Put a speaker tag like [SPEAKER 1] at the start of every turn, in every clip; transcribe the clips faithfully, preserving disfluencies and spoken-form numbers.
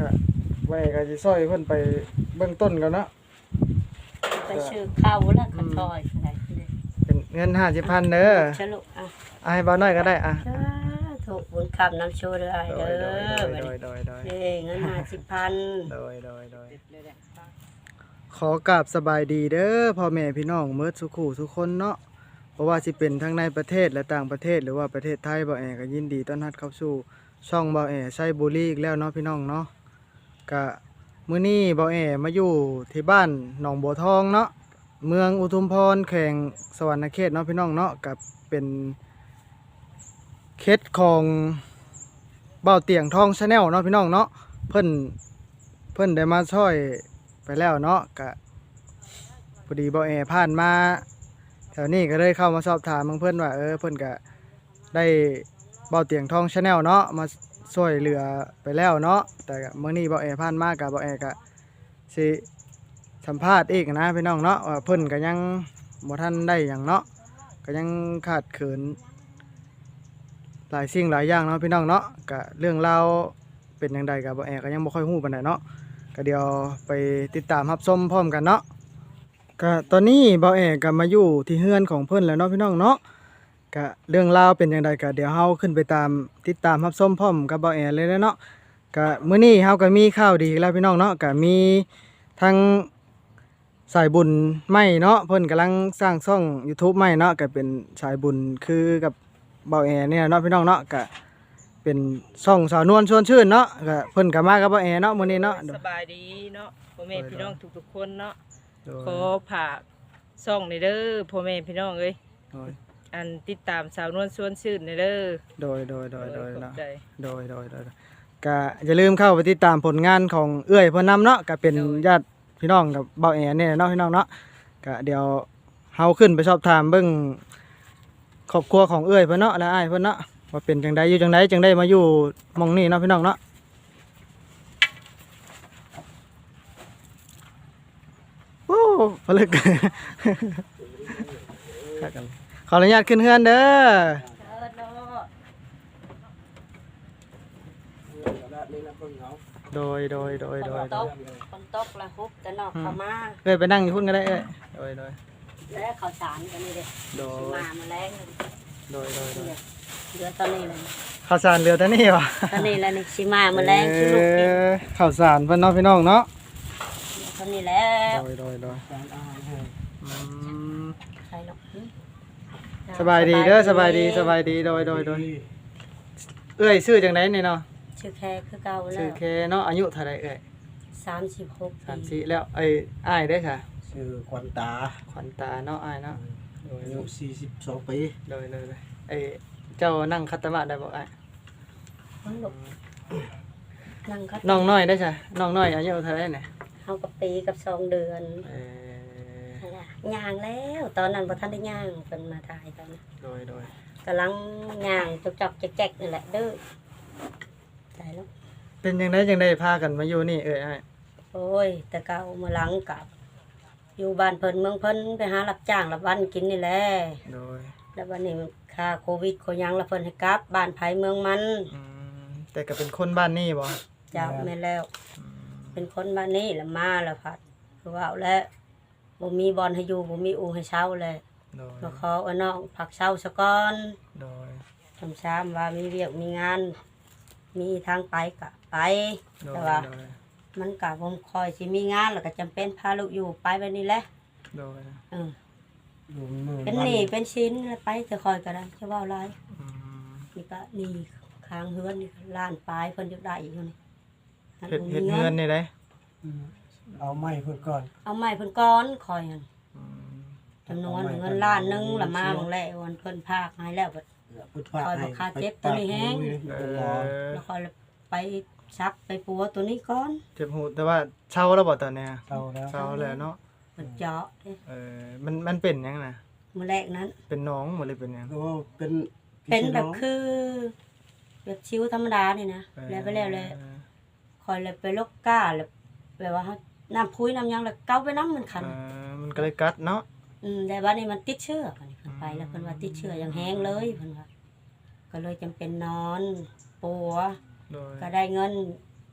[SPEAKER 1] ก็ไว้ก็สิซอยเพิ่นไปเบื้องต้นก่อนเนาะ
[SPEAKER 2] ไปซื้อข้าวแล้วก็ซอยอะไรเด้อ
[SPEAKER 1] เป็นเงินห้าสิบพันเด้อ
[SPEAKER 2] ฉลุอ่ะ
[SPEAKER 1] เอาให้บ่าวน้อยก็ได้อ่ะ
[SPEAKER 2] ถูกบุญคำน้ำโชว์เด้อเด้อเด้อเด้เงินห้าสิบพัน
[SPEAKER 1] โดยโดยโดยขอกราบสบายดีเด้อพ่อแม่พี่น้องเมิดสุขุทุกคนเนาะเพราะว่าสิเป็นทั้งในประเทศและต่างประเทศหรือว่าประเทศไทยบ่าวแอก็ยินดีต้อนรับเข้าสู่ช่องบ่าวแอไซบุรีอีกแล้วเนาะพี่น้องเนาะก็มื้อนี้บ่าวแอมาอยู่ที่บ้านหนองบัวทองเนาะเมืองอุทุมพรแขวงสวรรณเขตเนาะพี่น้องเนาะกับเป็นเขตของเบ้าเตียงทองชาแนลเนาะพี่น้องเนาะเพิ่นเพิ่นได้มาช่วยไปแล้วเนาะก็พอดีบ่าวแอผ่านมาแถวนี้ก็เลยเข้ามาสอบถามเพิ่นว่าเออเพิ่นก็ได้เบ้าเตียงทองชาแนลเนาะมาช่วยเหลือไปแล้วเนาะแต่มื้อนี้บ่าวแอผ่านมาก็บ่าวแอก็สิสัมภาษณ์อีกนะพี่น้องเนาะว่าเพิ่นก็ยังบ่ทันได้หยังเนาะก็ยังขาดเขินหลายสิ่งหลายอย่างเนาะพี่น้องเนาะก็เรื่องราวเป็นจังไดก็บ่าวแอก็ยังบ่ค่อยฮู้ปานใดเนาะก็เดี๋ยวไปติดตามรับชมพร้อมกันเนาะก็ตอนนี้บ่าวแอก็มาอยู่ที่เฮือนของเพิ่นแล้วเนาะพี่น้องเนาะก็เรื่องราวเป็นจังไดก็เดี๋ยวเฮาขึ้นไปตามติดตามรับชมพร้อมกับบ่าวแอเลยเนาะก็มื้อนี้เฮาก็มีข่าวดีแล้วพี่น้องเนาะก็มีทั้งสายบุญใหม่เนาะเพิ่นกำลังสร้างช่อง YouTube ใหม่เนาะก็เป็นสายบุญคือกับเบาแอเนี่ยเนาะพี่น้องเนาะก็เป็นช่องสาวนวลชวนชื่นเนาะก็เพิ่นก็มากับเบาแอเนาะมื้อนี้เนาะ
[SPEAKER 3] สบายดีเนาะพ่อแม่พี่น้องทุกๆคนเนาะขอฝากช่องนี่เด้อพ่อแม่พี่น้องเอ้ยอันติดตามสาวนวลชวนชื่นนี่เด้อ
[SPEAKER 1] โดยโดยโดยโดยเนาะโดยโดยโดยก็อย่าลืมเข้าไปติดตามผลงานของเอื้อยเพิ่นนำเนาะก็เป็นญาติพี่น้องกับเบาแอเนี่ยเนาะพี่น้องเนาะก็เดี๋ยวเฮาขึ้นไปสอบถามเบิ่งครอบครัวของเอื้อยเพิ่นเนาะและอ้ายเพิ่นเนาะว่าเป็นจังไดอยู่จังไดจังได้มาอยู่หม้องนี้เนาะพี่น้องเนาะโอ้ผลึกขออนุญาตขึ้นเฮือนเด้อโดยโดยโดยโดย
[SPEAKER 2] ตกคนตกละฮุบแต่นอกเข้ามา
[SPEAKER 1] เอ้ยไปนั่งอยู่พุ่นก็ได้เอ้ยโดยโดย
[SPEAKER 2] แล้วข้าวสารกันนี่เด้โดยมามาแรง
[SPEAKER 1] โดยโดยโดย
[SPEAKER 2] เรือตอนนี้เลย
[SPEAKER 1] ข้าวสารเรือตอนนี้วะ
[SPEAKER 2] ตอนนี้แล้วนี่สิมามาแรงสิลูกกิน
[SPEAKER 1] ข้าวสารเพิ่นเนาะพี่น้องเนาะ
[SPEAKER 2] ตอนนี้แล้ว
[SPEAKER 1] โดยโดยโดย
[SPEAKER 2] ใช่เนาะ
[SPEAKER 1] สบายดีเด้อสบายดีสบายดีโดยโดยโดยเอ้ยชื่อจังได๋นี่เนาะ
[SPEAKER 2] ชื่อแค่คือเก่าแล้ว
[SPEAKER 1] ชื่อแค่เนาะอายุเท่าไหร่เอ้ย
[SPEAKER 2] สามสิบหก
[SPEAKER 1] สามสิบแล้วไอ้อ้ายได้ค่ะ
[SPEAKER 4] ชื่อขวัญตา
[SPEAKER 1] ขวัญตาเนาะอ้ายเนาะ
[SPEAKER 4] โดยอายุสี่สิบสองปี
[SPEAKER 1] โดยโดยไอ้เจ้านั่งคัตตะมะได้บ่อ้าย
[SPEAKER 2] นั่งคัต
[SPEAKER 1] น้องน้อยได้จ้ะน้องน้อยอายุเท่าไหร่เนี่ย
[SPEAKER 2] เฮากับปีกับสองเดือนเออย่างแล้วตอนนั้นบ่ทันได้ย่างเพิ่นมาถ่ายกัน
[SPEAKER 1] โดยโดย
[SPEAKER 2] กำลังย่างจอกๆแจ๊กๆนี่แหละเด้อใช่แล้ว
[SPEAKER 1] เป็นจังได๋จังได๋พากันมาอยู่นี่เอ้ยอ้าย
[SPEAKER 2] โอ้ยแต่เก่ามาหลังกับอยู่บ้านเพิ่นเมืองเพิ่นไปหารับจ้างรับวันกินนี่แหละ
[SPEAKER 1] โดย
[SPEAKER 2] แล้ววันนี้ค่าโควิดโคยังแล้วเพิ่นให้กลับบ้านไผเมืองมัน
[SPEAKER 1] อืมแต่ก็เป็นคนบ้านนี้บ่
[SPEAKER 2] จ้าแม่แล้วเป็นคนบ้านนี้แล้วมาแล้วพัดคือว่าแล้วบ่มีบ่อนให้อยู่บ่มีอู่ให้เช่าเลย
[SPEAKER 1] โดย
[SPEAKER 2] มาขอเอาน้องพักเช่าซะก่อน
[SPEAKER 1] โดย
[SPEAKER 2] ทำซ้ำว่ามีเวียกมีงานมีทางไปก็ไปแต่ว่ามันก็บ่คอยสิมีงานแล้วก็จำเป็นพาลูกอยู่ไปแบบนี้แหละ
[SPEAKER 1] โดย
[SPEAKER 2] เออเป็นหนี้เป็นชิ้นไปจะคอยก็ได้จะว่าอะไรนี่ก็นี่ค้างเฮือนนี่ล้านปลายเพิ่นอยากได้อีกอยู่นี่
[SPEAKER 1] เฮ็ดเฮ็ดเฮือนนี่ได้
[SPEAKER 4] เอาไม้เพิ่นก่อน
[SPEAKER 2] เอาไม้เพิ่นก่อนคอยหั่นจำนวนเงินล้านนึงละมาบางแล้ววันเพิ่นพากให้แล้วคอยบ่ค่าเจ็บตัวนี้แฮงแล้วคอยไปซักไปปัวตัวนี้ก่อน
[SPEAKER 1] เจ็บหูแต่ว่าเช่าแล้วบ่ตอนนี้
[SPEAKER 4] เช่าแล้ว
[SPEAKER 1] เช่าแล้วเนาะ
[SPEAKER 2] มันเจาะ
[SPEAKER 1] เออมันมันเป็นหยังน่ะ
[SPEAKER 2] มื้อแรกนั้น
[SPEAKER 1] เป็นน้องบ่เลยเป็นหยัง
[SPEAKER 4] ก็เป็น
[SPEAKER 2] เป็นแบบคือแบบชิวธรรมดานี่นะแล้วไปแล้วเลยคอยเลยไปลกก้าแล้วแบบว่าน้ำพุ้ยน้ำยังแล้วเกาไปน้ำมันคัน
[SPEAKER 1] เออมันก็เลยกัดเนาะ
[SPEAKER 2] อืมแต่ว่านี่มันติดเชื้ออันนี้ไปแล้วเพิ่นว่าติดเชื้ออย่างแห้งเลยเพิ่นว่าก็เลยจำเป็นนอนปัวก็ได้เงิน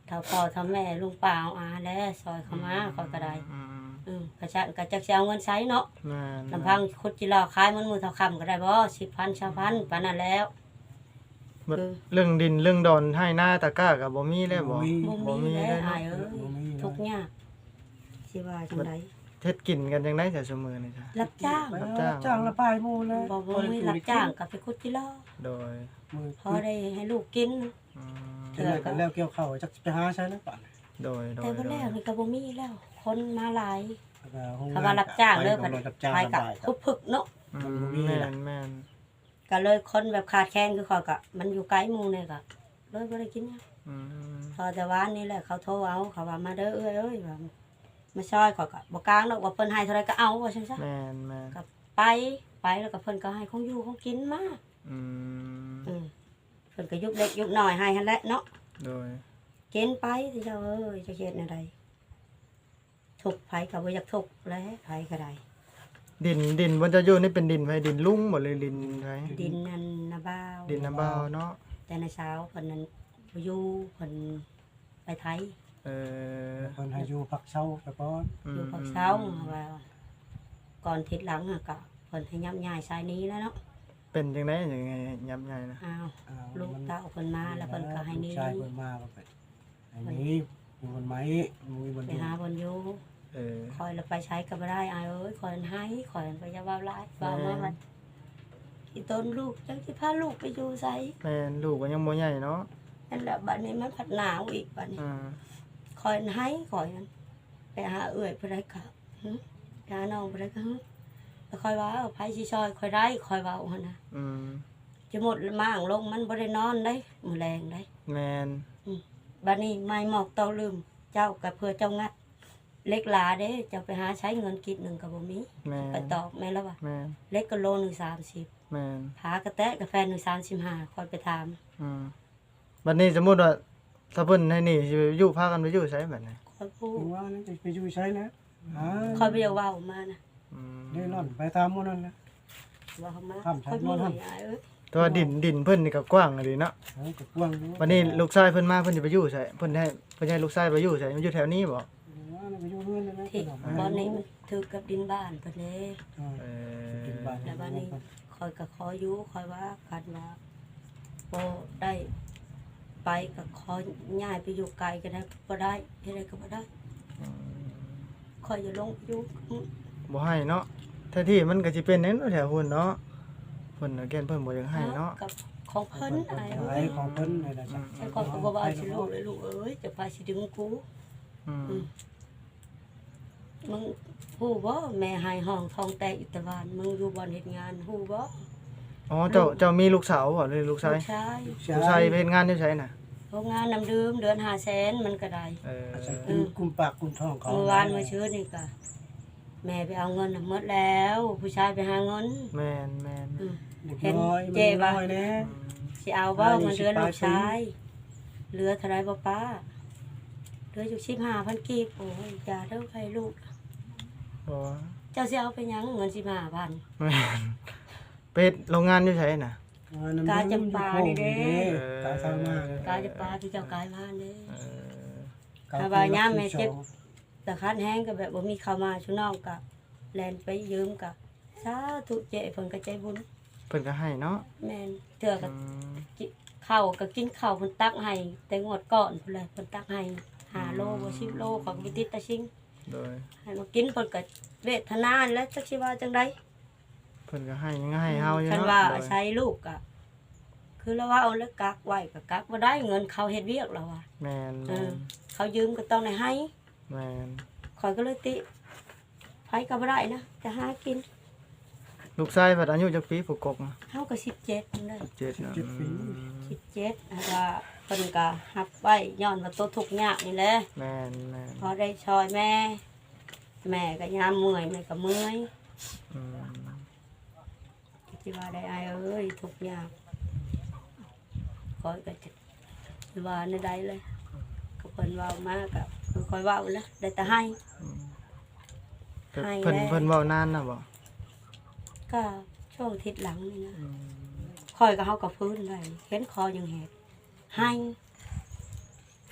[SPEAKER 2] ถ้าพ่อถ้าแม่ลุงป้าเอาอาแล้วซอยเขามาคอยก็ได้
[SPEAKER 1] อืม
[SPEAKER 2] อืมกระชันกระจักสิเอาเงินใช้เนาะ
[SPEAKER 1] แม่น
[SPEAKER 2] ลำพังคุดจิรอขายมันมือเท่าคำก็ได้บ่สิบพันชาวพันปานนั้นแล้ว
[SPEAKER 1] บัดเรื่องดินเรื่องดอนให้หน้าตะกร้าก็บ่มีแล้วบ่
[SPEAKER 2] บ่มีแล้ว
[SPEAKER 1] เนาะ
[SPEAKER 2] อายเอ้ยทุกข์ยากสิว่าจังได
[SPEAKER 1] เฮ็ดกินกันจังได๋แต่ซุมื้อนี่จ้ะ
[SPEAKER 2] รับจ้าง
[SPEAKER 1] รับจ้าง
[SPEAKER 4] จ้างละปลายหมู่เลย
[SPEAKER 2] บ่บ่มีรับจ้างก็ไปคุดจิรอ
[SPEAKER 1] โดย
[SPEAKER 4] มือ
[SPEAKER 2] พอได้ให้ลูกกิน
[SPEAKER 1] อืม
[SPEAKER 4] เทื่อกันแล้วเกี่ยวข้าวจักไปหาใช้แล้วป่าน
[SPEAKER 1] โดยโด
[SPEAKER 2] แต่
[SPEAKER 1] ย
[SPEAKER 2] บ่แล้วนี่ก็บ่มีแล้ว คนมาหลาย
[SPEAKER 4] แล้วก็โรงงน
[SPEAKER 2] เขาว่ารับจ้างเด้อ
[SPEAKER 4] ไป
[SPEAKER 2] ผัด
[SPEAKER 4] กับรับจ้าง
[SPEAKER 2] ไปกับ
[SPEAKER 4] ลำบาก
[SPEAKER 2] คุดพึกเนาะ
[SPEAKER 1] อืมแม่นแม่น
[SPEAKER 2] ก็เลยคนแบบขาดแคลนคือเขาก็มันอยู่ไกลหมู่นี่ก็เลยบ่ได้กินหยัง
[SPEAKER 1] อืม
[SPEAKER 2] พอแต่ว่านี่แหละเขาโทรเอาเขาว่ามาเด้อเอ้ยเอ้ยว่ามาช่วยเขาก็บ่กลางดอกว่าเพิ่นให้เท่าไรก็เอาว่าซั่นซะ
[SPEAKER 1] แม่นแม่น
[SPEAKER 2] ก็ไปไปแล้วก็เพิ่นก็ให้ของอยู่ของกินมา
[SPEAKER 1] อืม
[SPEAKER 2] อืมเพิ่นก็ยุกเล็กยุกน้อยให้หั่นแหละเนาะ
[SPEAKER 1] โดย
[SPEAKER 2] กินไปสิเจ้าเอ้ยจะเฮ็ดแนวใดทุกข์ไผก็บ่อยากทุกข์แหล้วไผก็ได้
[SPEAKER 1] ดินดินบนจะอยู่นี่เป็นดินไผดินลุ่งหมดเลยดินไผ
[SPEAKER 2] ดินนั่นนาบ้าว
[SPEAKER 1] ดินน้ำบ่าวเนาะ
[SPEAKER 2] แต่ในเช้าเพิ่นนั้นบ่อยู่เพิ่นไปไทย
[SPEAKER 1] เออ
[SPEAKER 4] เพิ่นให้อยู่พักเช้าไปก่อน
[SPEAKER 1] อืม
[SPEAKER 2] อยู่ภาคเช้าว่าก่อนทิศหลังอะก็เพิ่นให้ย้ำย้ายสายนี้แล้วเนาะ
[SPEAKER 1] เป็นจังได๋ยังไงยับใหญ่นะ
[SPEAKER 2] อ้าว
[SPEAKER 4] อ้าว
[SPEAKER 2] ลูกเต้าเพิ่นมาแล้วเพิ่นก็ให้หนี้
[SPEAKER 4] ลูชายเพิ่นมาก็ไปอันนี้อยู่บนไม้มือบน
[SPEAKER 2] ไป
[SPEAKER 4] อยู่
[SPEAKER 2] หาเพิ่นอยู่
[SPEAKER 1] เออ
[SPEAKER 2] คอยเราไปใช้ก็บ่ได้อายเอ้ยคอยให้คอยไปจะว่าหลายว่ามาว่าอีต้นลูกจังสิพาลูกไปอยู่ไส
[SPEAKER 1] แม่นลูกก็ยังบ่ใหญ่เนาะ
[SPEAKER 2] นั่นแหละบัดนี้มันพัดหนาวอีกบัดนี้
[SPEAKER 1] อ่า
[SPEAKER 2] คอยให้คอยนั้นไปหาเอื้อยผู้ใดก็หึไปหาน้องผู้ใดก็หึแล้วคอยว่าเอาไผสิซอยคอยได้คอยเว้าหั่นน่ะ
[SPEAKER 1] อืม
[SPEAKER 2] จะหมดมางลงมันบ่ได้นอนได้มื้อแรงได้
[SPEAKER 1] แม่น
[SPEAKER 2] บัดนี้ไม่หมอกเตาลืม เจ้าก็เพื่อเจ้างัด เล็กหลาเด้เจ้าไปหาใช้เงินกิดหนึงก็บ่มี
[SPEAKER 1] แม่น
[SPEAKER 2] ไปตอบแม่แล้วว่า
[SPEAKER 1] แม่น
[SPEAKER 2] เล็กก็โลหนึงสามสิบ
[SPEAKER 1] แม่น
[SPEAKER 2] ผากระแตะกาแฟหนึ่งสามสิบห้าคอยไปถาม
[SPEAKER 1] อืมบัดนี้สมมุติว่าถ้าเพิ่นให้นี่สิไปอยู่พากันไปอยู่ไสบัดนี้
[SPEAKER 2] คอยพูด
[SPEAKER 4] ถึงว่านั่นจะไปอยู่ใช้นะอ่า
[SPEAKER 2] คอยไปเยาเว่ามานะ
[SPEAKER 1] อืม
[SPEAKER 4] เดินนอนไปตามหมู่นั่นนะ
[SPEAKER 2] ว่าเขามา
[SPEAKER 4] ครับใช่
[SPEAKER 2] คอยพูด
[SPEAKER 4] นอน
[SPEAKER 2] ให้อายเอ้ย
[SPEAKER 1] แต่ว่าดินดินเพิ่นนี่ก็กว้างอะดีเนาะ
[SPEAKER 4] เออก็กว้างอยู่
[SPEAKER 1] วันนี้ลูกชายเพิ่นมาเพิ่นสิไปอยู่ไสเพิ่นให้เพิ่นให้ลูกชายไปอยู่ไสมันอยู่แถวนี้บ่
[SPEAKER 4] ว่าไปอยู่เรือนนั่นนะ
[SPEAKER 2] ที่
[SPEAKER 4] ขนม
[SPEAKER 2] บอนนี้มันถือกับดินบ้านเพิ่นเด้
[SPEAKER 4] อ่า
[SPEAKER 1] เอ
[SPEAKER 4] กินบ้าน
[SPEAKER 2] แล้วบ้านนี้คอยก็ขออยู่คอยว่ากันว่าบ่ได้ไปก็ขอย้ายไปอยู่ไกลก็ได้บ่ได้เฮ็ดได้ก็บ่ได้คอยอย่าลงอยู่อืม
[SPEAKER 1] บ่ให้เนาะแท้ที่มันก็สิเป็นแนั่นแถวหุ่นเนาะเพิ่นน่ะแก่นเพิ่นบ่อยากให้เนาะ
[SPEAKER 2] กับของเพิ่นอาย
[SPEAKER 4] ข
[SPEAKER 2] เอ้
[SPEAKER 4] าย
[SPEAKER 2] ย
[SPEAKER 4] ของเพิ่นนี่แหละจ้ะ
[SPEAKER 2] ไอ้ก่อนก็บอกว่าสิลูกเลยลูกเอ้ยจะพาสิดึงกู
[SPEAKER 1] อืม
[SPEAKER 2] มึงฮู้บ่แม่หายห้องทองแต่อิตาบานมึงอยู่บ่อนเฮ็ดงานฮู้บ่
[SPEAKER 1] อ๋อเจ้าเจ้ามีลูกสาวบ่หรือลูกชาย
[SPEAKER 2] ลูกชาย
[SPEAKER 1] ลูกชายไปเฮ็ดงานอยู่ไสน่ะ
[SPEAKER 2] โรงงานน้ำดื่มเดือนห้าแสนมันก็ได้
[SPEAKER 1] เออ
[SPEAKER 4] อาจจะกินกุมปากกุมท้องเขา
[SPEAKER 2] เมื่อวานเมื่อชื่อนี่ก็แม่ไปเอาเงินน่ะหมดแล้ว ผู้ชายไปหาเงิน
[SPEAKER 1] แม่นแม่น
[SPEAKER 2] อืม
[SPEAKER 4] เด็ก
[SPEAKER 2] เห็น
[SPEAKER 4] น้อย
[SPEAKER 2] เจ๊
[SPEAKER 4] มัน
[SPEAKER 2] ปะ
[SPEAKER 4] น้อยแน่
[SPEAKER 2] สิเอาบ่เงินเดือนลูกชายเหลือเท่าไรบ่ป้าเหลืออยู่สิบห้าพันกีบโอ้ยอย่าเด้อใครลูก
[SPEAKER 1] บ่
[SPEAKER 2] เจ้าสิเอาไปหยังเงินสิบห้าพัน
[SPEAKER 1] แม่นไปเฮ็ดโรงงานอยู่ไสน่ะ
[SPEAKER 2] กาจำปานี่เด้
[SPEAKER 4] กาสร้างมาก
[SPEAKER 2] กายจะปลาที่เจ้ากายมาเด้
[SPEAKER 1] เออ
[SPEAKER 2] ถ้าว่าย่ามแม่เจ็บ แต่คันแห้งก็แบบบ่มีเข้ามาชุน้องก็แลนไปยืมก็สาธุเจ้เพิ่นก็ใจบุญ
[SPEAKER 1] เพิ่นก็ให้เนาะ
[SPEAKER 2] แม่นเทื่อ
[SPEAKER 1] อื
[SPEAKER 2] ก็
[SPEAKER 1] ม
[SPEAKER 2] กิข้าวก็กินข้าวเพิ่นตักให้แต่งวดก่อนพุ่นแหละเพิ่นตักให้ห้าโลบ่สิบโลของวิติตาชิง
[SPEAKER 1] โดย
[SPEAKER 2] ให้มากินเพิ่นก็เวทนาแล้วจักสิว่าจังได๋
[SPEAKER 1] เพิ่นก็ให้ยังให้เฮาอยู่
[SPEAKER 2] คัน
[SPEAKER 1] เนาะ
[SPEAKER 2] ว่า
[SPEAKER 1] โดย
[SPEAKER 2] ใช้ลูกก็คือเราว่าเอาแล้วกักไว้ก็กักบ่ได้เงินเขาเฮ็ดเวียกแล้วอ่ะ
[SPEAKER 1] แม่น
[SPEAKER 2] เอ
[SPEAKER 1] แม่
[SPEAKER 2] อน เขายืมก็ต้องได้ให้
[SPEAKER 1] แม่น
[SPEAKER 2] ข่อยก็เลยติไผก็บ่ได้นะจะหากิน
[SPEAKER 1] ลูกชายเพิ่นอายุจักปีผู้กกน่ะ
[SPEAKER 2] เฮาก็สิบเจ็ดนั่นเลย
[SPEAKER 1] เจ็ดเนาะ
[SPEAKER 4] เจ็ดปี
[SPEAKER 1] อืม
[SPEAKER 2] สิบเจ็ดแล้วก็เพิ่นก็รับไว้ย้อนว่าตัวทุกข์ยากนี่แหละ
[SPEAKER 1] แม่นแม่น
[SPEAKER 2] พอได้ช่วยแม่ แม่ก็ยามเมื่อยแม่ก็เมื่อย
[SPEAKER 1] อืม
[SPEAKER 2] สิว่าได้อายเอ้ยทุกข์ยากคอยก็จะสิว่าในใดเลย ก็เพิ่นเว้ามาก็คือคอยเว้าแหล้วได้แต่ให้
[SPEAKER 1] เพิ่น
[SPEAKER 2] ให้
[SPEAKER 1] เพิ่น
[SPEAKER 2] แล้ว
[SPEAKER 1] เพิ่นเว้านานน่ะบ่
[SPEAKER 2] ก็ช่วงทิศหลังนี่นะ
[SPEAKER 1] อืม
[SPEAKER 2] คอยก็เฮาก็ฟื้นได้เห็นคอยังแหกให้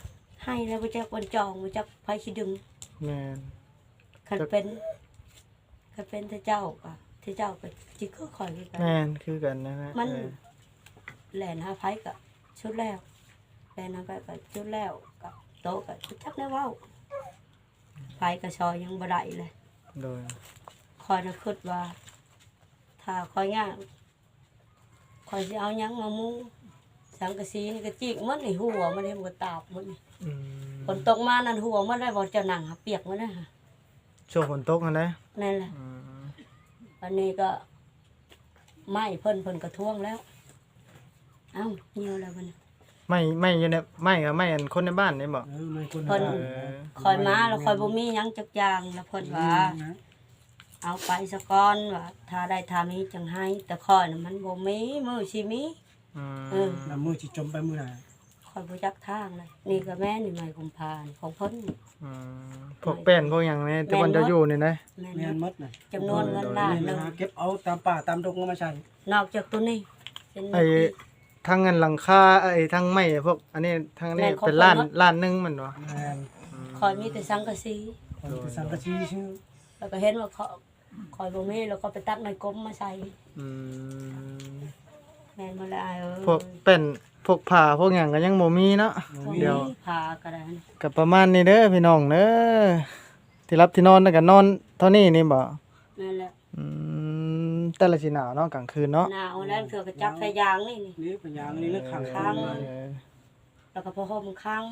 [SPEAKER 2] ให้แล้วบ่จักวันจองบ่จักไผสิดึง
[SPEAKER 1] แม่น
[SPEAKER 2] คันเป็นคันเป็นเทเจ้าก็เทเจ้าก็สิคือข่อยคือกัน
[SPEAKER 1] แม่นคือกันนะฮะ
[SPEAKER 2] มัน
[SPEAKER 1] เออ
[SPEAKER 2] แล่นหาไผก็ชุดแล้วแล่นหาไผก็ชุดแล้วก็โตก็บ่จักแนวเว้าไผก็ซอยยังบ่ได้เลย
[SPEAKER 1] โดย
[SPEAKER 2] คอยน่ะคิดว่า ถ้าคอยย่างคอยสิเอาหยังมามุงสังกะสีนี่ก็จิกมันนี่หัวมันนี่มันก็ตาบมันนี่
[SPEAKER 1] อืม
[SPEAKER 2] ฝนตกมานั่นหัวมันได้บ่เจ้าหนังหาเปียกมันนะฮะ
[SPEAKER 1] ช่วงฝนตกนั่นแหละ
[SPEAKER 2] นั่นแหละ
[SPEAKER 1] อืม
[SPEAKER 2] อันนี้ก็ไหม้เพิ่นเพิ่นกระท่วงแล้ว เอ้าเหี่ยวแล้วมัน
[SPEAKER 1] ไม่ไม่อยู่ในไม่ก็ไม่อันคนในบ้านนี่บ่
[SPEAKER 4] เออไม่คน
[SPEAKER 2] เพิ่น
[SPEAKER 4] บ้า
[SPEAKER 2] คอยมาแล้วคอยบ่มีหยังจักอย่างแล้วเพิ่นว่า เอาไปซะก่อนว่าถ้าได้ทามีจังให้แต่คอยน่ะมันบ่มีมือสิมี
[SPEAKER 1] อืม
[SPEAKER 2] เออ
[SPEAKER 4] น้ำมือสิจมไปมื้อหน้า
[SPEAKER 2] คอยบ่จักทางเลยนี่ก็แม่นี่ใหม่กุมภาพันธ์ของเพิ่น
[SPEAKER 1] อืมพวกแป้นพวกหยังนี่แต่วันจะอยู่นี่นะ
[SPEAKER 2] แม่
[SPEAKER 4] แม่น
[SPEAKER 2] น
[SPEAKER 4] หมดน่ะ
[SPEAKER 2] จำนวนเงินล้านหนึง
[SPEAKER 4] หาเก็บเอาตามป่าตามดงเอามาใช้
[SPEAKER 2] นอกจากตัวนี้เป็น
[SPEAKER 1] ไอ้ทั้งเงินหลังคาไอ้ทั้งไม้พวกอันนี้ทั้งนี้
[SPEAKER 2] แม่นของ
[SPEAKER 1] เป็นล้าน
[SPEAKER 2] คนเนอะ
[SPEAKER 1] ล้านหนึงมันบ่
[SPEAKER 4] แม่น
[SPEAKER 2] คอยมีแต่สังกะสี
[SPEAKER 4] คนที่สังกะสีชื่อ
[SPEAKER 2] แล้วก็เห็นว่าเขาคอยบ่มีแล้วก็ไปตัดไม้กลมมาใส่
[SPEAKER 1] อืม
[SPEAKER 2] แม่นบ่ละอายเอ้ย
[SPEAKER 1] พวกเป็นพวกผ้าพวกหยังก็ยังบ่มีเนาะ
[SPEAKER 2] บ่มี
[SPEAKER 1] เดี๋ยว
[SPEAKER 2] พาก็ได้
[SPEAKER 1] ก็ประมาณนี้เด้อพี่น้องเด้อที่รับที่นอนแล้วก็นอนเท่านี้นี่บ่
[SPEAKER 2] แม่นแหละ
[SPEAKER 1] อืมแต่ละสิหนาวเนาะกลางคืนเนาะ
[SPEAKER 2] หนาวแล้วเถื่อก็จับไฟยางนี่นี่
[SPEAKER 4] นี่เป็นยางนี่เลือกขัง
[SPEAKER 2] ค้าง
[SPEAKER 1] เออ
[SPEAKER 2] แล้วก็พอห่มค้าง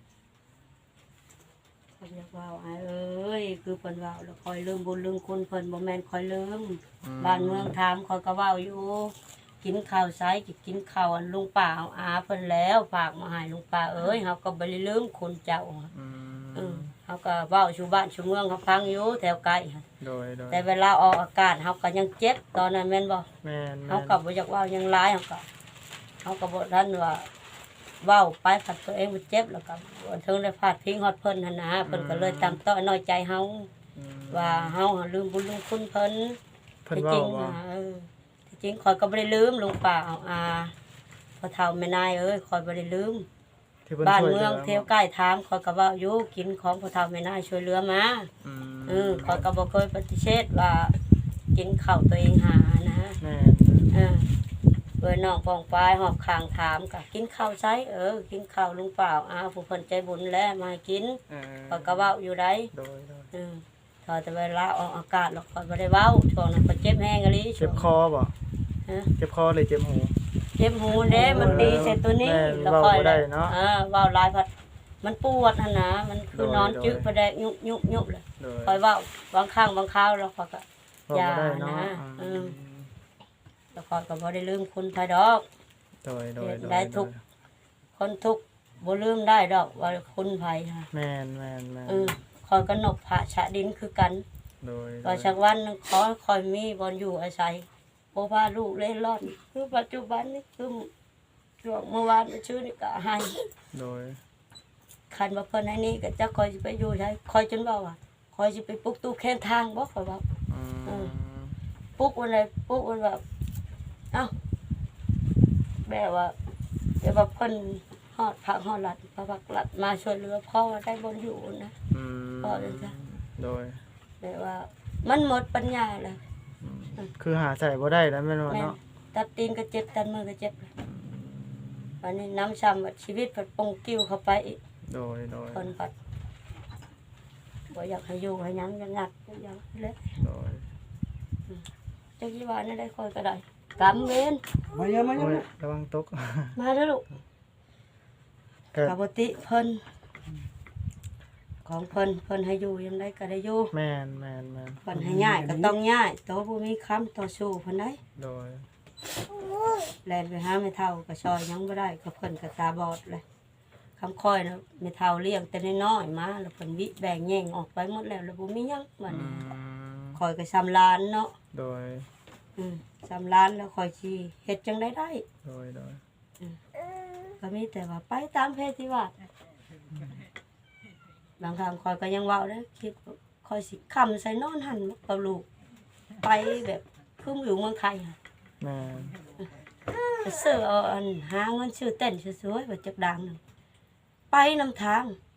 [SPEAKER 2] เพิ่นอยากเว้าอายเอ้ยคือเพิ่นเว้าแล้วคอยลืมบุญลืมคุณเพิ่นบ่แม่นคอยลืม บ้านเมืองถามคอยก็เว้าอยู่ กินข้าวไสกิกินข้าวอันลุงป้าเอาอาเพิ่นแล้วฝากมาให้ลุงป้าเอ้ยเฮาก็บ่ได้ลืมคุณเจ้า
[SPEAKER 1] อื
[SPEAKER 2] เอ
[SPEAKER 1] ม
[SPEAKER 2] อเฮาก็เว้าสู่บ้านสู่เมืองเขาฟังอยู่แถวไกลหั่น
[SPEAKER 1] โดยโดย
[SPEAKER 2] แต่เวลาออกอากาศเฮาก็ยังเจ็บตอนนั้นแม่นบ่
[SPEAKER 1] แม่น
[SPEAKER 2] เฮาก็บ่อยากเว้าหยังหลายเฮาก็เฮาก็บ่ทันว่าเว้าไปผัดตัวเองบ่เจ็บแล้วก็บ่ถึงได้พาดพิงฮอดเพิ่นหั่นนะเพิ่นก็เลยตามต้อยน้อยใจเฮา
[SPEAKER 1] อืม
[SPEAKER 2] ว่าเฮาลืมบุญลืมคุณเพิ่น
[SPEAKER 1] เพิ่น
[SPEAKER 2] ที่
[SPEAKER 1] เว้า
[SPEAKER 2] จริง
[SPEAKER 1] ว่า
[SPEAKER 2] น่ะเออที่จริงข่อยก็บ่ได้ลืมลุงป้าเอาอาพอเฒ่าแม่นายเอ้ยข่อยบ่ได้ลืม
[SPEAKER 1] ที่เพิ่น
[SPEAKER 2] บ้าน
[SPEAKER 1] ช่วย
[SPEAKER 2] เมือง
[SPEAKER 1] หลื
[SPEAKER 2] เที่ยวใกล้ถามข่อยก็เว้าอยู่กินของพอเฒ่าแม่นายช่วยเหลือมา
[SPEAKER 1] อืม
[SPEAKER 2] เออข่อยก็บ่เคยปฏิเสธว่ากินข้าวตัวเองหานะ
[SPEAKER 1] แม่น
[SPEAKER 2] เออเอ้ยน้องปองปายหอบข้างถามก็กินข้าวไสเออกินข้าวลุงป้าอาผู้เพิ่นใจบุญแล้วมาให้กิน
[SPEAKER 1] เออ
[SPEAKER 2] ข่อยก็เว้าอยู่ได้
[SPEAKER 1] โดยโดย
[SPEAKER 2] เออพอแต่เวลาออกอากาศแล้วข่อยบ่ได้เว้าช่วงนั้นข่อยเจ็บแฮงอีหลี
[SPEAKER 1] เจ็บคอบ่
[SPEAKER 2] ฮะ
[SPEAKER 1] เจ็บคอเลยเจ็บหู
[SPEAKER 2] เจ็บหูเด้มันตีใส่ตัวนี้
[SPEAKER 1] แม่น
[SPEAKER 2] แล้ว
[SPEAKER 1] เว้า
[SPEAKER 2] ค่อย
[SPEAKER 1] บ่ได้เนาะ
[SPEAKER 2] เออเว้าหลายพัดมันปวดหั่นนะมันคือ
[SPEAKER 1] โดย
[SPEAKER 2] นอน
[SPEAKER 1] โดย
[SPEAKER 2] จึกไปได้ยุบยุบยุบเลย
[SPEAKER 1] โดย
[SPEAKER 2] ค่อยเว้าบางครั้งบางคราวแล้วข่อยก็
[SPEAKER 1] เว้าบ่ได้เนาะ
[SPEAKER 2] อย่านะ
[SPEAKER 1] อื
[SPEAKER 2] อื
[SPEAKER 1] ม
[SPEAKER 2] ม แล้วข่อยก็บ่ได้ลืมคุณไผดอก
[SPEAKER 1] โดยโดยโดย
[SPEAKER 2] ได้ทุก คนทุกข์บ่ลืมได้ดอกว่าคุณไผค่ะ
[SPEAKER 1] แม่นแม่นแม่น
[SPEAKER 2] เออข่อยก็นบพระชะดินคือกัน
[SPEAKER 1] โดยโด
[SPEAKER 2] ว่าย สักวันหนึงขอให้ข่อยมีบ่อนอยู่อาศัยบ่พาลูกเล่ร่อน คือปัจจุบันนี้คือช่วงเมื่อวานเมื่อชื่อนี่ก็ให้
[SPEAKER 1] โดย
[SPEAKER 2] คันว่าเพิ่นให้นี่ก็จะคอยสิไปอยู่ใช้คอยจนเว้าว่าคอยสิไปปลุกตู้แค้นทางบ่ข่อยว่า
[SPEAKER 1] อื
[SPEAKER 2] เออ
[SPEAKER 1] ม
[SPEAKER 2] ปลุกวันใดปลุกวันแบบเอ้าแบบว่าแบบว่าเพิ่นฮอดพักฮอดหลัดพระพักหลัดมาช่วยเหลือพ่อได้บ่อยู่นะ
[SPEAKER 1] อืม
[SPEAKER 2] พอเลยจ้ะ
[SPEAKER 1] โดย
[SPEAKER 2] แบบว่า มันหมดปัญญาแล้ว
[SPEAKER 1] คือหาใส่บ่ได้แล้วแม่นว่า
[SPEAKER 2] แม่น
[SPEAKER 1] เนาะ
[SPEAKER 2] ตัดตีนก็เจ็บตัดมือก็เจ็บวันนี้น้ำซ้ำว่าชีวิตเพิ่นปงกิ้วเข้าไปอีก
[SPEAKER 1] โดยโดย
[SPEAKER 2] เพิ่นปัดบ่อยากให้อยู่ให้หยังอยากงัดอยากเลย
[SPEAKER 1] โดย
[SPEAKER 2] จักยี่ว่านี่ได้คอยก็ได้กำเวน
[SPEAKER 4] มาเยอะมาเย
[SPEAKER 1] โอ้ย
[SPEAKER 4] อะ
[SPEAKER 1] ระวังตก
[SPEAKER 2] มาเด้อลูก
[SPEAKER 1] ก็
[SPEAKER 2] กับปติเพิ่นของเพิ่นเพิ่นให้อยู่ยังได้ก็ได้อยู่
[SPEAKER 1] แม่นแม่นแม่น
[SPEAKER 2] เพิ่นให้ย้ายก็ต้องย้ายโตบ่มีคำต่อสู้เพิ่นได้
[SPEAKER 1] โดย
[SPEAKER 2] แล่นไปหาแม่เฒ่าก็ซอยหยังบ่ได้ก็เพิ่นก็ตาบอดเลยคำคอยนะแม่เฒ่าเลี้ยงแต่น้อยๆมาแล้วเพิ่นวิแบ่งแย่งออกไปหมดแล้วแล้วบ่มีหยังบัด
[SPEAKER 1] อื
[SPEAKER 2] นี้
[SPEAKER 1] ม
[SPEAKER 2] คอยก็ซ้ำลานเนาะ
[SPEAKER 1] โดย
[SPEAKER 2] อืมซ้ำลานแล้วคอยสิเฮ็ดจังได๋ได้
[SPEAKER 1] โดยโดย
[SPEAKER 2] ก็มีแต่ว่าไปตามเพศที่ว่าบางครั้งคอยก็ยังเว้าได้คิดว่าคอยสิคำใส่นอนหันกับลูกไปแบบคืออยู่เมืองไทยอะ
[SPEAKER 1] แม่น
[SPEAKER 2] ไปซื้อเอาอันหาเงินซื้อเต้นสวยๆแบบจักดังนั่นไปนำทาง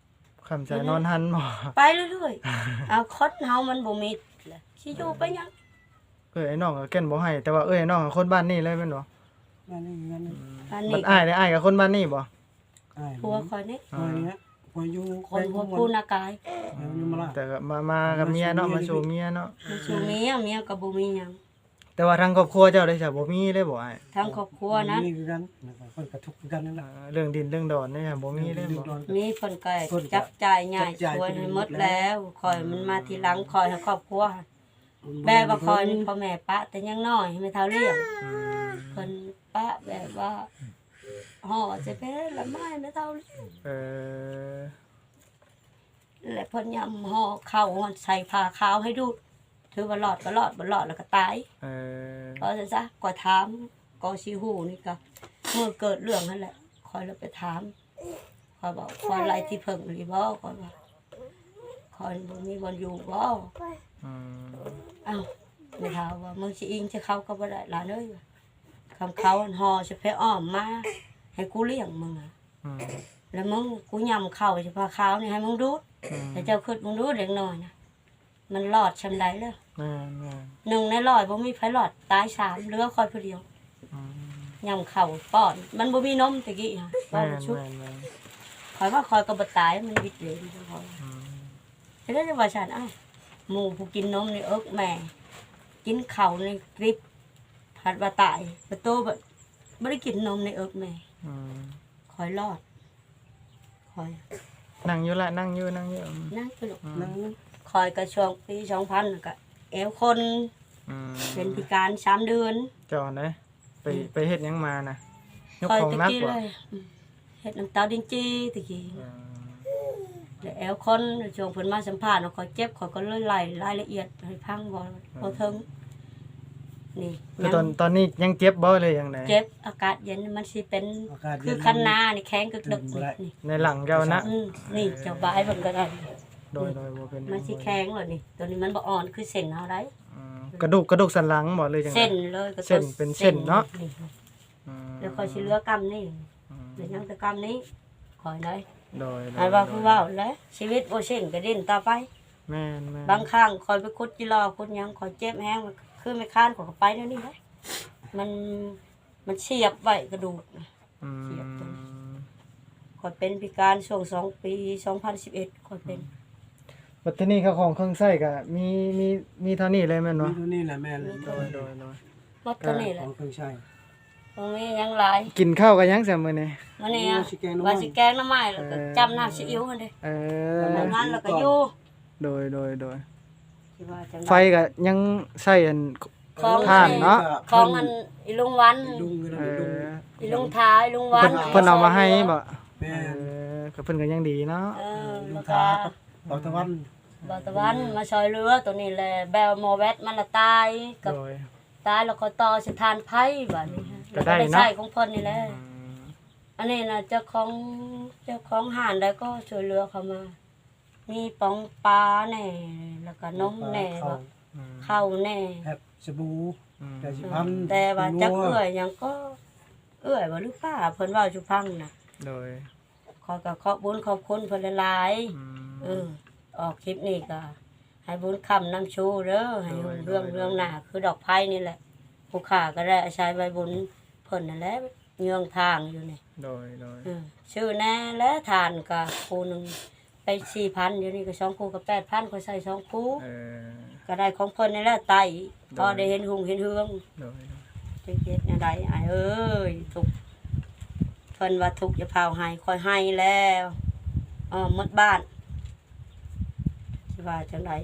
[SPEAKER 1] คำใจนอนหันบ่
[SPEAKER 2] ไปเรื่อยๆเอาคดเฮามันบ่มีแหละสิอยู่ไปหยัง
[SPEAKER 1] เอ้ยไอ้น้องก็เก้นบ่ให้แต่ว่าเอ้ยไอ้น้องก็คนบ้านนี้เลยแม่นบ่
[SPEAKER 4] นั่นนี่นั่นนี่
[SPEAKER 2] อัน
[SPEAKER 1] มั
[SPEAKER 2] นี้
[SPEAKER 1] นอ้ายได้อ้ายกับคนบ้านนี้บ่
[SPEAKER 4] อ้าย
[SPEAKER 2] ผัวคอยนี่
[SPEAKER 4] อ้ายเนี่ยพออยู่
[SPEAKER 2] คนผัวผู้นากาย
[SPEAKER 4] แล้วอยู่มาละ
[SPEAKER 1] แต่ก็มามากับเมียเนาะมาสู่เมียเนาะ
[SPEAKER 2] มันสู่เมียเมียก็บ่มีหยัง
[SPEAKER 1] แต่ว่าทางครอบครัวเจ้าได้จ้ะบ่มีเลยบ่อ้าย
[SPEAKER 2] ทั้งครอบครัวนะ
[SPEAKER 4] นี่คือกันนะครับเพิ่นก็ทุกข์คือกันนั่นแห
[SPEAKER 1] อ่า
[SPEAKER 4] ละ
[SPEAKER 1] เรื่องดินเรื่องดอนนี่บ่มีเลยบ่
[SPEAKER 2] มีเพิ่นก็จับจ่ายง่ายช่วยให้หมดแล้วคอยมันมาทีหลังคอยให้ครอบครัวแม่บ่คอยนี่พ่อแม่ปะแต่ยังน้อยไม่เท่าเลี้ยง
[SPEAKER 1] อืม
[SPEAKER 2] เพิ่นปะแบบว่าห่อจะเป็นละไม้ไม่เท่าเลี้ยง
[SPEAKER 1] เออ
[SPEAKER 2] และเพิ่นยำห่อข้าวใส่ผ้าขาวให้ดูถือว่ารอดก็รอดบ่รอดแล้วก็ตาย
[SPEAKER 1] เออ
[SPEAKER 2] เพราะฉะนั้นซะก็ถามก็สิฮู้นี่ก็เมื่อเกิดเรื่องนั่นแหละคอยแล้วไปถามคอยบอกคอยไล่ที่เพิ่งหรือบ่คอยว่าคอยบ่มีบ่อยู่บ่
[SPEAKER 1] อืม
[SPEAKER 2] อ้าวไม่ถามว่ามึงสิอิงจะเข้าก็บ่ได้หลานเอ้ยคำเขาอันห่อจะไปอ้อมมาให้กูเลี้ยงมึงอ่ะ
[SPEAKER 1] อืม
[SPEAKER 2] แล้วมึงกูยำเข้าจะพาขาวนี่ให้มึงดูด
[SPEAKER 1] อืม
[SPEAKER 2] แต่เจ้าคิดมึงดูดเด็กน้อยนะมันรอดชำไดแล้ว
[SPEAKER 1] แม่นแม่น
[SPEAKER 2] หนึ่งในร้อยบ่มีไผรอดตายสามเหลือคอยผู้เดียว
[SPEAKER 1] อืม
[SPEAKER 2] ยำเข้าป้อนมันบ่มีนมตะกี้ฮะป้
[SPEAKER 1] แม่
[SPEAKER 2] อน
[SPEAKER 1] น
[SPEAKER 2] ชุบ
[SPEAKER 1] แม่นแม่น
[SPEAKER 2] คอยว่าคอยก็บ่ตายมันวิตเลยคอย
[SPEAKER 1] อืม
[SPEAKER 2] แต่ได้ว่าฉันอ้าวหมู่ผู้กินนมนี่เอิกแม่ กินข้าวในกริบผัดว่าตายประตูบ่บ่ได้กินนมในเอิกแม่
[SPEAKER 1] อืม
[SPEAKER 2] คอยรอดคอย
[SPEAKER 1] นั่งอยู่ละนั่งอยู่นั่งอยู่อืม
[SPEAKER 2] นั่งไปลูก
[SPEAKER 4] นั่ง
[SPEAKER 2] คอยก็ช่วงปีสองพันก็แอวคน
[SPEAKER 1] อืม
[SPEAKER 2] เป็นพิการสามเดือน
[SPEAKER 1] เจ้าไหนไปไปเฮ็ดหยังมานะยก
[SPEAKER 2] คอย
[SPEAKER 1] ของ
[SPEAKER 2] ตะ
[SPEAKER 1] นัก
[SPEAKER 2] กี้
[SPEAKER 1] บ่
[SPEAKER 2] เลยอืมเฮ็ดน้ำตาดินจีตะกี้
[SPEAKER 1] เออ
[SPEAKER 2] แล้วแอวคนช่วงเพิ่นมาสัมภาษณ์คอยเจ็บคอยก็เลยไล่รายละเอียดให้พังบ่บ่ถึงนี่
[SPEAKER 1] คือตอนตอนนี้ยังเจ็บบ่เลยยังไง
[SPEAKER 2] เจ็บอากาศเย็นมันสิเป็น
[SPEAKER 4] อากาศ
[SPEAKER 2] คื
[SPEAKER 4] เย็
[SPEAKER 2] อน คันนานี่แข็งกึกดึกนี่
[SPEAKER 1] ในหลังเจ้านะ
[SPEAKER 2] อืมนี่เจ้าบายเบิ่งก็ได้
[SPEAKER 1] โดยโดยบ่เป็น
[SPEAKER 2] มันสิแข็งเลยนี่ ตัวนี้มันบ่อ่อนคือเส้นเฮาได้
[SPEAKER 1] อืมกระดูกกระดูกสันหลังบ่เลยจังได๋
[SPEAKER 2] เส้นเลยก็
[SPEAKER 1] เส้นเป็นเส้นเนาะ อืม
[SPEAKER 2] แล้วคอยสิเหลือกำนี่
[SPEAKER 1] อืม
[SPEAKER 2] เดี๋ยวยังแต่กำนี้คอยได้
[SPEAKER 1] โดยโดย
[SPEAKER 2] อันว่าคือเว่าแล้วชีวิตบ่เช่นก็ดิ้นต่อไป
[SPEAKER 1] แม่นแม่น
[SPEAKER 2] บางครั้งคอยไปคุดจิรอคุดหยังคอยเจ็บแฮงมันคือไม่ค้านขอยก็ไปแล้วนี่ได้มันมันเฉียบไว้กระดูกน่ะ
[SPEAKER 1] อื
[SPEAKER 2] เสียบตรง
[SPEAKER 1] ม
[SPEAKER 2] คอยเป็นพิการช่วงสองปีสองพันสิบเอ็ดคอยเป็น
[SPEAKER 1] บัดทีนี้เขาของเครื่องใช้ก็มีมีมีเท่านี้เลยแม่น
[SPEAKER 4] นี่
[SPEAKER 1] บ่
[SPEAKER 4] ตัวนี้แหละแม่เลย
[SPEAKER 1] โดยโดยโดย
[SPEAKER 2] หมดตัวนี้แห
[SPEAKER 4] ข
[SPEAKER 2] ละ
[SPEAKER 4] องเครื่องใช้
[SPEAKER 2] ตรงนี้ยังหลาย
[SPEAKER 1] กินข้าวกันยังซะมื้อนี้
[SPEAKER 2] มันนี่อะ
[SPEAKER 4] โอ้สิแกงหน่อไม้
[SPEAKER 2] ว่าสิแกงหน้ำไม้แล้วก็จำน้ำซีอิ๊วหั่นเด้
[SPEAKER 1] เอ
[SPEAKER 2] ต
[SPEAKER 1] อ
[SPEAKER 2] อนนั้นแล้วก็อยู่
[SPEAKER 1] โดยโดยโดย
[SPEAKER 2] ที่ว่าจัง
[SPEAKER 1] ไฟก็ยังใช้อัน
[SPEAKER 2] ของ
[SPEAKER 1] ท่านเนาะ
[SPEAKER 2] ของมันอีลุงวัน
[SPEAKER 4] ลุงกัน
[SPEAKER 1] เอ
[SPEAKER 4] ลุง
[SPEAKER 1] อ
[SPEAKER 2] อีลุงท้ายลุงวั
[SPEAKER 1] เพิ่
[SPEAKER 2] น
[SPEAKER 1] นเพิ่นเอามาให้บ่
[SPEAKER 4] แม่
[SPEAKER 1] เออก็เพิ่นก็ยังดีเนาะ
[SPEAKER 2] เออ
[SPEAKER 4] ลุ
[SPEAKER 2] แล้
[SPEAKER 4] ง
[SPEAKER 2] วก็
[SPEAKER 4] ทาเบาตะวัน
[SPEAKER 2] บอตะวันมาซอยเรือตัวนี้แหละแบลโมเวตมันละตายกับ
[SPEAKER 1] โดย
[SPEAKER 2] ตายแล้วก็ต่อสถานไพ่แบบนี้ฮะ
[SPEAKER 1] ก็
[SPEAKER 2] แล้ว
[SPEAKER 1] ได้
[SPEAKER 2] ก็ได้
[SPEAKER 1] เนาะ
[SPEAKER 2] ใช้ของเพิ่นนี่แหละ
[SPEAKER 1] อืม
[SPEAKER 2] อันนี้นะเจ้าของเจ้าของห้านได้ก็ช่วยเหลือเขามา มีปองปลาแน่แล้วก็นมแน่
[SPEAKER 4] เข้า
[SPEAKER 2] ว่า
[SPEAKER 1] อืม
[SPEAKER 2] ข้าวแน่
[SPEAKER 4] แฮบสบู่
[SPEAKER 1] อืม
[SPEAKER 4] แต่สิพัน
[SPEAKER 2] แต่ว่าจัก
[SPEAKER 4] นัว
[SPEAKER 2] เอื้อยหยังก็ เอื้อยบ่หรือป้าเพิ่นเว้าจุพังน่ะ
[SPEAKER 1] โดย
[SPEAKER 2] ขอก็ขอบบุญขอบคุณเพิ่นหลายๆ
[SPEAKER 1] อืม
[SPEAKER 2] เออออกคลิปนี้ก็ให้บุญคำนำชูเด้อให้หุ่นเรื่องเรื่องหน้าคือดอกไผ่นี่แหละผู้ขาก็ได้ใช้ใบบุญเพิ่นนั่นแหละเยืองทางอยู่นี่
[SPEAKER 1] โดยโดย
[SPEAKER 2] เออชื่อแน่และทานก็คู่หนึงไปสี่พันเดี๋ยวนี้ก็สองคู่ก็แปดพันก็ใส่สองคู่
[SPEAKER 1] เออ
[SPEAKER 2] ก็ได้ของเพิ่นนี่แหละไต่พอได้เห็นหุงเห็นเฮือง
[SPEAKER 1] โดย
[SPEAKER 2] จังเฮ็ดแนวใดอ้ายเอ้ยทุกข์เพิ่นว่าทุกข์จะพาวให้ค่อยให้แล้วอ๋อหมดบ้านสิว่าจังได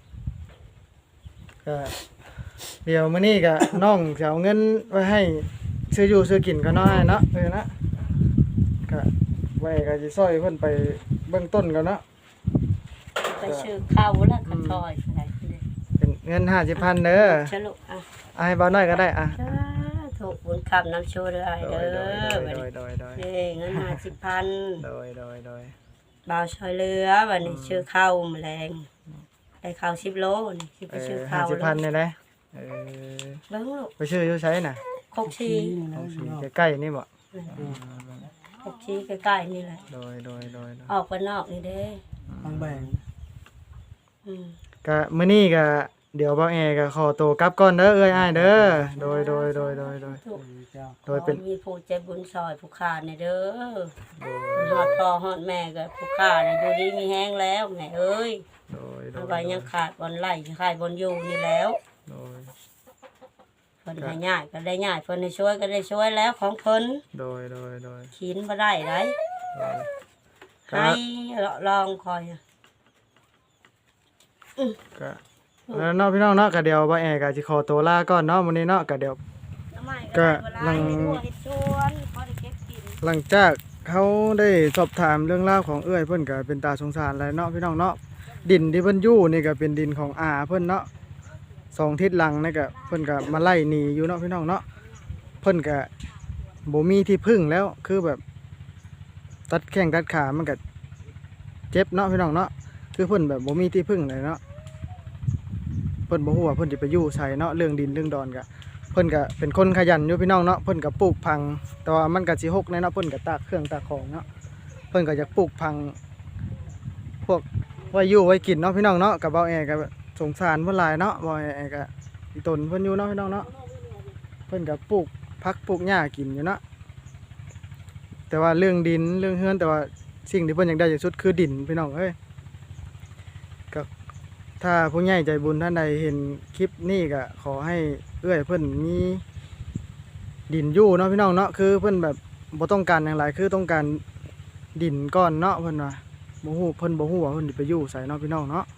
[SPEAKER 1] ก็เดี๋ยวมื้อนี้ก็ น้องจะเอาเงินไว้ให้ซื้ออยู่ซื้อกินก็น้อยเนาะเออนะก็ไว้ก็สิซอยเพิ่นไปเบื้องต้นก่อนเนาะ
[SPEAKER 2] ไปชื่อข้าวแล้วก็ซอยอะไรเด้
[SPEAKER 1] เป็นเงินห้าสิบพันเด้อ
[SPEAKER 2] ฉลุอ่ะ
[SPEAKER 1] เอาให้บ่าวน้อยก็ได้อ่ะ
[SPEAKER 2] จ้าถูกบุญคำน้ำชูเด้อไอ้
[SPEAKER 1] โด
[SPEAKER 2] เด้
[SPEAKER 1] ย
[SPEAKER 2] อ
[SPEAKER 1] โดย
[SPEAKER 2] บัด
[SPEAKER 1] โดย
[SPEAKER 2] นี้
[SPEAKER 1] โดยโดย
[SPEAKER 2] นี่เงินห้าสิบพัน
[SPEAKER 1] โดยโดยโดย
[SPEAKER 2] บ่าวช่วยเหลือบัดนี้ชื่อข้าวแมลงได้ข้าวสิบโลนี่สิไป
[SPEAKER 1] เอ
[SPEAKER 2] ชื่อ
[SPEAKER 1] อ
[SPEAKER 2] ข้าว
[SPEAKER 1] ห้าสิบพันนี่แหละเออ
[SPEAKER 2] เบิ่งลูก
[SPEAKER 1] ไปซื้ออยู่ไสน่ะ
[SPEAKER 2] คกชี
[SPEAKER 4] นี่นะ
[SPEAKER 1] ของสี
[SPEAKER 4] เนาะ
[SPEAKER 1] ใกล้ๆนี่บ่
[SPEAKER 2] คกชีใกล้ๆนี่แหละ
[SPEAKER 1] โดยโดยโดยโดย
[SPEAKER 2] ออกไปนอกนี่เด้
[SPEAKER 1] โ
[SPEAKER 4] ทางแบ่ง
[SPEAKER 2] อืม
[SPEAKER 1] ก็มื้อนี้ก็เดี๋ยวบ่าวแอก็ขอตัวกลับก่อนเด้อเอ้ยอ้ายเด้อโดยโดยโดยโดยโดย
[SPEAKER 2] ทุก
[SPEAKER 4] เจ้า
[SPEAKER 1] โดยเป็น
[SPEAKER 2] ขอมีผู้ใจบุญซอยผู้ขาดเนี่ยเด้อฮอดพ่อฮอดแม่ก็ผู้ขาดเนี่ยอยู่ดีมีแห้งแล้วแม่เอ้ย
[SPEAKER 1] โดยโด
[SPEAKER 2] เอา
[SPEAKER 1] ย
[SPEAKER 2] ไว้ยังขาดบอนไล่ขาดบอนอยู่นี่แล้ว
[SPEAKER 1] โดย
[SPEAKER 2] เพิ่นให้ง่ายก็ได้ง่ายเพิ่นให้ช่วยก็ได้ช่วยแล้วของเพิ่น
[SPEAKER 1] โดยโดยโดย
[SPEAKER 2] ขินบ่ได้ได
[SPEAKER 1] โดย
[SPEAKER 2] ให้ลองคอยอะ
[SPEAKER 1] ก็แล้วเนาะพี่น้องเนาะก็เดี๋ยวบ่าวแอก็สิขอตัวลาก่อนเนาะมื้อนี้เนาะก็เดี๋ยว
[SPEAKER 2] น้ำไม้
[SPEAKER 1] ก็
[SPEAKER 2] ก็
[SPEAKER 1] ลั
[SPEAKER 2] ลั
[SPEAKER 1] ง
[SPEAKER 2] งเฮ็ดชวนพอได้เก็บกิน
[SPEAKER 1] หลังจากเขาได้สอบถามเรื่องราวของเอื้อยเพิ่นก็เป็นตาสงสารแล้วเนาะพี่น้องเนาะดินที่เพิ่นอยู่นี่ก็เป็นดินของอาเพิ่นเนาะสองทิศหลังนี่ก็เพิ่นก็มาไล่หนีอยู่เนาะพี่น้องเนาะเพิ่นก็บ่มีที่พึ่งแล้วคือแบบตัดแข้งตัดขามันก็เจ็บเนาะพี่น้องเนาะคือเพิ่นแบบบ่มีที่พึ่งเลยเนาะเพิ่นบ่ฮู้ว่าเพิ่นสิไปอยู่ไสเนาะเรื่องดินเรื่องดอนก็เพิ่นก็เป็นคนขยันอยู่พี่น้องเนาะเพิ่นก็ปลูกพังแต่ว่ามันก็สิหกแน่เนาะเพิ่นก็ตากเครื่องตากของเนาะเพิ่นก็อยากปลูกพังพวกไว้อยู่ไว้กินเนาะพี่น้องเนาะกับเบาแอก็สงสารเพิ่นหลายเนาะเบาแอก็อีตนเพิ่นอยู่เนาะพี่น้องเนาะเพิ่นก็ปลูกผักปลูกหญ้ากินอยู่เนาะแต่ว่าเรื่องดินเรื่องเฮือนแต่ว่าสิ่งที่เพิ่นอยากได้ที่สุดคือดินพี่น้องเอ้ยก็ถ้าผู้ใหญ่ใจบุญท่านใดเห็นคลิปนี้ก็ขอให้เอื้อยเพิ่นมีดินอยู่เนาะพี่น้องเนาะคือเพิ่นแบบบ่ต้องการอย่างไรคือต้องการดินก้อนเนาะเพิ่นว่าบ่ฮู้เพิ่นบ่ฮู้ว่าเพิ่นสิไปอยู่ไสเนาะพี่น้องเนาะ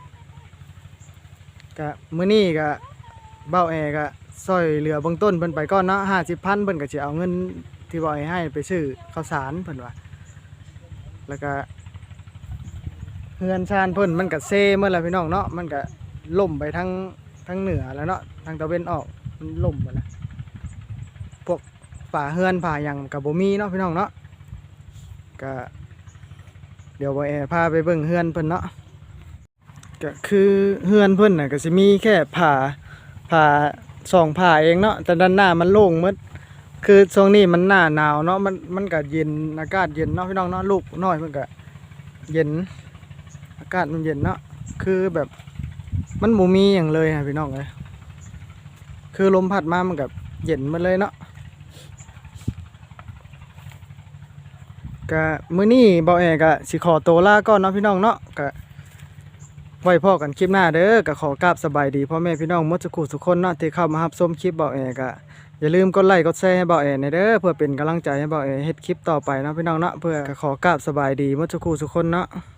[SPEAKER 1] ก็มื้อนี้ก็เบ้าแอก็ซอยเหลือเบื้องต้นเพิ่นไปก่อนเนาะห้าสิบพันเพิ่นก็สิเอาเงินที่เบ้าแอให้ไปซื้อข้าวสารเพิ่นว่าแล้วก็เฮือนชานเพิ่นมันก็เซเมื่อแล้วพี่น้องเนาะมันก็ล่มไปทั้งทั้งเหนือแล้วเนาะทางตะเวนออกมันล่มหมดแล้วพวกป่าเฮือนป่าหยังก็บ่มีเนาะพี่น้องเนาะก็เดี๋ยวบ่แอพาไปเบิ่งเฮือนเพิ่นเนาะก็คือเฮือนเพิ่นน่ะก็สิมีแค่ผ้าผ้าสองผ้าเองเนาะแต่ด้านหน้ามันโล่งหมดคือช่วงนี้มันหน้าหนาวเนาะมันมันก็เย็นอากาศเย็นเนาะพี่น้องเนาะลูกน้อยเพิ่นก็เย็นอากาศมันเย็นเนาะคือแบบมันบ่มีหยังเลยฮะพี่น้องเอ้ยคือลมพัดมามันก็เย็นหมดเลยเนาะก็มื้อนี้เบาแอก็สิขอตัวลาก่อนเนาะพี่น้องเนาะก็ไว้พอกันคลิปหน้าเด้อก็ขอกราบสบายดีพ่อแม่พี่น้องหมดทุกคู่ทุกคนเนาะที่เข้ามารับชมคลิปเบาแอก็อย่าลืมกดไลค์กดแชร์ให้เบาแอหน่อยเด้อเพื่อเป็นกำลังใจให้เบาแอเฮ็ดคลิปต่อไปเนาะพี่น้องเนาะเพื่อก็ขอกราบสบายดีหมดทุกคู่ทุกคนเนาะ